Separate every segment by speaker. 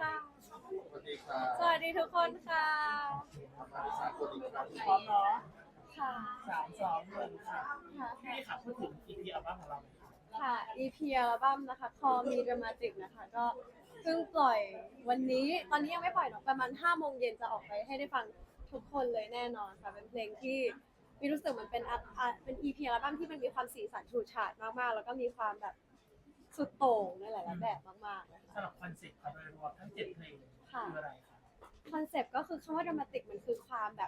Speaker 1: ค่ะ
Speaker 2: สวัสดีครับ
Speaker 1: สวัสดีทุกคนค่ะ
Speaker 2: สวัสดีครับ
Speaker 3: พร้อมเนาะ
Speaker 1: ค่ะ
Speaker 3: 3 2 1ค่ะ
Speaker 1: ค่ะ
Speaker 3: พี่ค่ะพูดถึง EP อัลบั้มของเราหน่อยค่ะ
Speaker 1: ค่ะ EP อัลบั้มนะคะ Call Me Dramatic นะคะก็เพิ่งปล่อยวันนี้ตอนนี้ยังไม่ปล่อยหรอกประมาณ5 โมงเย็นจะออกไปให้ได้ฟังทุกคนเลยแน่นอนค่ะเป็นเพลงที่มีรู้สึกมันเป็น EP อัลบั้มที่มันมีความสีสันฉูดฉาดมากๆแล้วก็มีความแบบสุดโต่งในหลายๆแบบมากๆเลยค่ะ
Speaker 3: สำหรับคอนเซ็ปต์ครับโดยรวมทั้ง7เพลงคืออะไรคะ
Speaker 1: คอนเซปต์ก็คือคำว่าดรามาติกมันคือความแบบ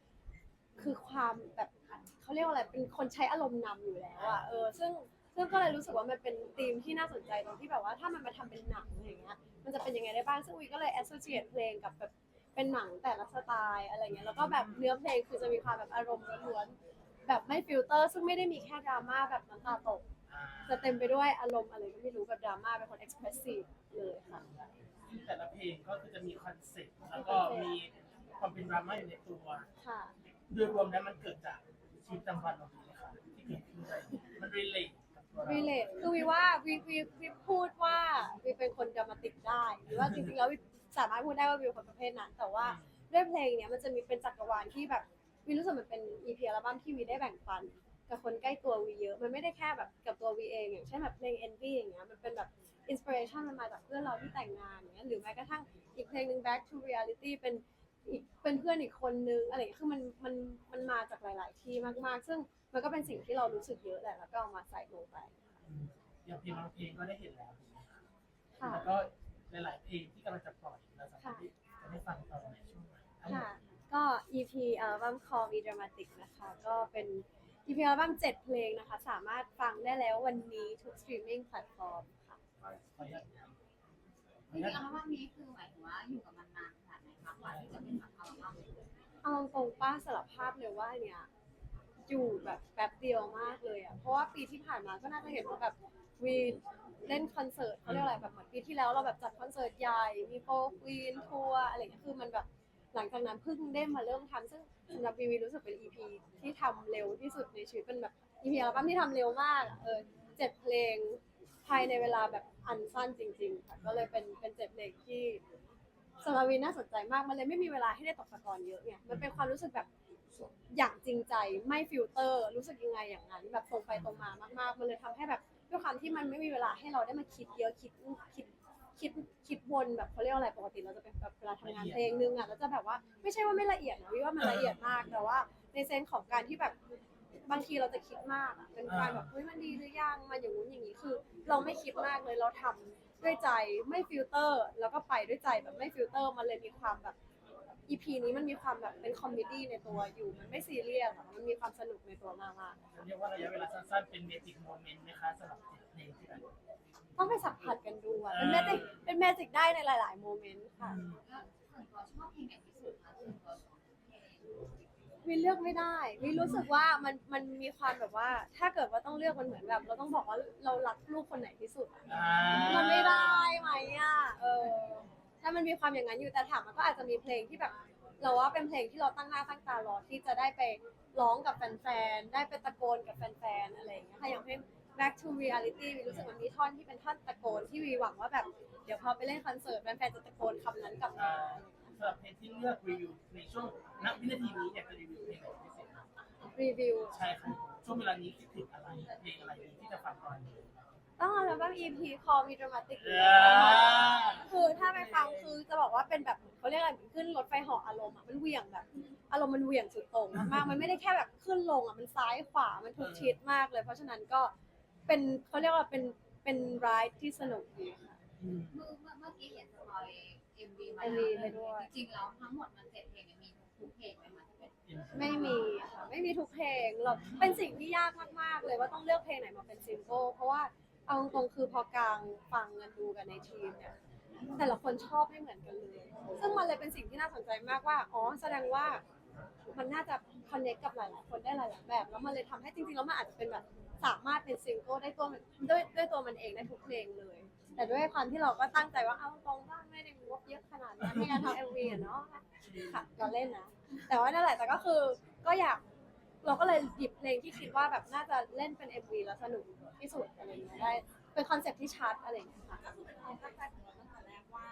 Speaker 1: เขาเรียกว่าอะไรเป็นคนใช้อารมณ์นำอยู่แล้วอะซึ่งก็เลยรู้สึกว่ามันเป็นธีมที่น่าสนใจตรงที่แบบว่าถ้ามันมาทำเป็นหนังอะไรอย่างเงี้ยมันจะเป็นยังไงได้บ้างซึ่งวีก็เลย associate เพลงกับแบบเป็นหนังแต่ละสไตล์อะไรเงี้ยแล้วก็แบบเนื้อเพลงคือจะมีความแบบอารมณ์ล้วนๆแบบไม่ฟิลเตอร์ซึ่งไม่ได้มีแค่ดราม่าแบบน้ำตาตกจะเต็มไปด้วยอารมณ์อะไรก็ไม่รู้แบบดราม่าเป็นคน expressive เลยค่ะ
Speaker 3: แต่ละเพลงก็คือจะมีคอนเซ็ปต์แล้วก็มีความเป็นดราม่าอยู่ในตัว
Speaker 1: ค่ะ
Speaker 3: โดยรวมแล้วมันเกิดจากชีวิตประจำวันเราไหมคะที่เกิดขึ้นอะไรมัน relate กับตัวเรา
Speaker 1: relate คือวีว่าวีพูดว่าวีเป็นคนดรามาติกได้หรือว่าจริงๆแล้ววีสามารถพูดได้ว่าวีเป็นคนประเภทนั้นแต่ว่าด้วยเพลงเนี้ยมันจะมีเป็นจักรวาลที่แบบวีรู้สึกมันเป็น EP อัลบั้มที่วีได้แบ่งปันกับคนใกล้ตัววีเยอะมันไม่ได้แค่แบบกับตัววีเองอย่างเช่นแบบเพลง Envy อย่างเงี้ยมันเป็นแบบ inspiration มันมาจากเพื่อนเราที่แต่งงานอย่างเงี้ยหรือแม้กระทั่งอีกเพลงหนึ่ง Back to Reality เป็นเพื่อนอีกคนนึงอะไรอย่างเงี้ยคือมันมาจากหลายๆที่มากๆซึ่งมันก็เป็นสิ่งที่เรารู้สึกเยอะแหละแล้วก็เอามาใส่ลงไป
Speaker 3: อย่างเพลงบางเพลงก็ได้เห็นแล้วถูกไหมคะ
Speaker 1: ค่ะ
Speaker 3: แล้วก็หลายๆเพลงที่กำลังจะปล่อยเราสามารถที่จะได้ฟังต่อในช่วงไหนทั้งหม
Speaker 1: ค่ะ
Speaker 3: ด
Speaker 1: ก็ EP อัลบั้ม Call Me Dramatic นะคะ ก็เป็น EP อัลบั้ม7 เพลงนะคะ สามารถฟังได้แล้ววันนี้ทุก streaming platform ค่ะ
Speaker 3: ขออนุญาต
Speaker 4: จริงๆอัลบั้มนี้คือหมายถึงว่าอยู่กับมันนานขนาดไหนคะกว่าที่จะเป็นแบบอัลบั้ม
Speaker 1: เอาตรงๆป้าสารภาพเลยว่าเนี่ยอยู่แบบแป๊บเดียวมากเลยอ่ะ เพราะว่าปีที่ผ่านมาก็น่าจะเห็นว่าแบบวีเล่นคอนเสิร์ตเขาเรียกอะไรแบบเหมือนปีที่แล้วเราแบบจัดคอนเสิร์ตใหญ่มีโฟร์ควีนทัวร์อะไรอย่างเงี้ยคือมันแบบหลังจากนั้นเพิ่งได้มาเริ่มทำซึ่งสำหรับวีรู้สึกเป็น EP ที่ทำเร็วที่สุดในชีวิตเป็นแบบ EP อัลบั้มที่ทำเร็วมากอะ7 เพลงภายในเวลาแบบอันสั้นจริงๆค่ะก็เลยเป็น7 เพลงที่สำหรับวีน่าสนใจมากมันเลยไม่มีเวลาให้ได้ตกตะกอนเยอะไงมันเป็นความรู้สึกแบบอย่างจริงใจไม่ฟิลเตอร์รู้สึกยังไงอย่างนั้นแบบตรงไปตรงมามากๆมันเลยทำให้แบบด้วยความที่มันไม่มีเวลาให้เราได้มาคิดเยอะคิดวนแบบเขาเรียกอะไรปกติเราจะเป็นแบบเวลาทำงานเพลงนึงอ่ะเราจะแบบว่าไม่ใช่ว่าไม่ละเอียดนะวิว่ามันละเอียดมากแต่ว่าในเซนส์ของการที่แบบบางทีเราจะคิดมากอ่ะเป็นการแบบเฮ้ยมันดีหรือยังมันอย่างนู้นอย่างนี้คือ เราไม่คิดมากเลยเราทำด้วยใจไม่ฟิลเตอร์แล้วก็ไปด้วยใจแบบไม่ฟิลเตอร์มันเลยมีความแบบ EP นี้มันมีความแบบเป็นคอมเมดี้ในตัวอยู่มันไม่ซีเรียสอะมันมีความสนุกในตัวมากๆ
Speaker 3: เรียกว่าระยะเวลาสั้นๆเป็นเมจิกโมเมนต์ไหมคะสำหรับ7เพลงที่แบบ
Speaker 1: ต้องไปสัมผัสกันดูอะเป็นแมจิกได้ในหลายๆโมเมนต์ค่ะ
Speaker 4: แล้วส่วนตัวชอบเพลงไหนที่สุดคะส่วนตัวชอบเพลง
Speaker 1: วิเลือกไม่ได้วิรู้สึกว่ามันมีความแบบว่า ถ้าเกิดว่าต้องเลือกมันเหมือนแบบเราต้องบอกว่าเรารักลูกคนไหนที่สุดอะมันไม่ได้ไหมอะถ้ามันมีความอย่างนั้นอยู่แต่ถามมันก็อาจจะมีเพลงที่แบบ เราว่าเป็นเพลงที่เราตั้งหน้าตั้งตารอที่จะได้ไปร้องกับแฟนๆได้ไปตะโกนกับแฟนๆอะไรอย่างเงี้ยค่ะอย่างเพลง Back to Reality วิรู้สึกมันมีท่อนที่เป็นท่อนตะโกนที่วีหวังว่าแบบเดี๋ยวพอไปเล่นคอนเสิร์ตแฟนๆจะตะโกนคำนั้นกลับมา
Speaker 3: สำหรับเพลงที่เลือกรีวิวในช่วงณวินาทีนี้อยากจะรีวิวเพลงไหนพิเศษ
Speaker 1: รีวิว
Speaker 3: ใช่ค่ะช่วงเวลานี้คิดถึงอะไรเพลงอะไรดีที่จะฟังก่อน
Speaker 1: ต้องอัลบั้ม EP Call Me Dramatic คือถ้าไปฟังคือจะบอกว่าเป็นแบบเขาเรียกอะไรเหมือนขึ้นรถไฟเหาะอารมณ์อ่ะมันเหวี่ยงแบบอารมณ์มันเหวี่ยงสุดโต่งมากๆมันไม่ได้แค่แบบขึ้นลงอ่ะมันซ้ายขวามันทุกทิศมากเลยเพราะฉะนั้นก็เป็นเขาเรียกว่าเป็นไรด์ที่สนุกดีค่ะ
Speaker 4: เมื่อกี้เห็นสปอย MV มา
Speaker 1: MV
Speaker 4: แล้ว
Speaker 1: ไปด้วย
Speaker 4: จริงๆแล้วทั้งหมดมัน7 เพลงเนี่ยมีทุกเพลงไหมคะที่เป็น
Speaker 1: ไม่มีค่ะไม่มีทุกเพลงเราเป็นสิ่งที่ยากมากๆเลยว่าต้องเลือกเพลงไหนมาเป็นซิงเกิลเพราะว่าเอาตรงๆคือพอกลางฟังกันดูกันในทีมเนี่ยแต่ละคนชอบไม่เหมือนกันเลยซึ่งมันเลยเป็นสิ่งที่น่าสนใจมากว่าอ๋อแสดงว่ามันน่าจะคอนเนคกับหลายๆคนได้หลายๆแบบแล้วมันเลยทำให้จริงๆแล้วมันอาจจะเป็นแบบสามารถเป็นซิงเกิลได้ตัวมันด้วยตัวมันเองได้ทุกเพลงเลย แต่ด้วยความที่เราก็ตั้งใจว่าเอาตรงว่าไม่ได้งบเยอะขนาดนั้นในการทำ MV อะเนาะค่ะเราเล่นนะ แต่ว่านั่นแหละแต่ก็คือก็อยากเราก็เลยหยิบเพลงที่คิดว่าแบบน่าจะเล่นเป็น MV แล้วสนุกที่สุดอะไรอย่างเงี้ยได้เป็นคอนเซ็ปต์ที่ชัดอะไรอย่างเงี้ยค่ะ
Speaker 5: ก็คือเป็นความตั้งใจของเราตั้งแต่แรกว่าจะมี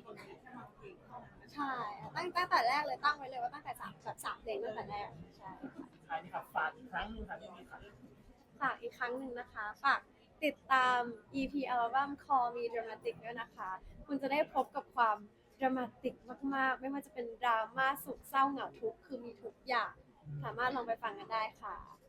Speaker 1: ใช่ตั้งแต่แรกเลยตั้งไว้เลยว่าตั้งแต่3เพลงตั้งแต่แรกใช่
Speaker 3: ท้ายนี้ค่ะฝากอีกครั้งหนึงค่ะพี่มีค่ะ
Speaker 1: ฝากอีกครั้งหนึ่งนะคะฝากติดตาม EP อัลบั้ม Call Me Dramatic ด้วยนะคะ คุณจะได้พบกับความดรามาติกมากๆ ไม่ว่าจะเป็นดราม่าสุขเศร้าเหงาทุกข์คือมีทุกอย่าง สามารถลองไปฟังกันได้ค่ะ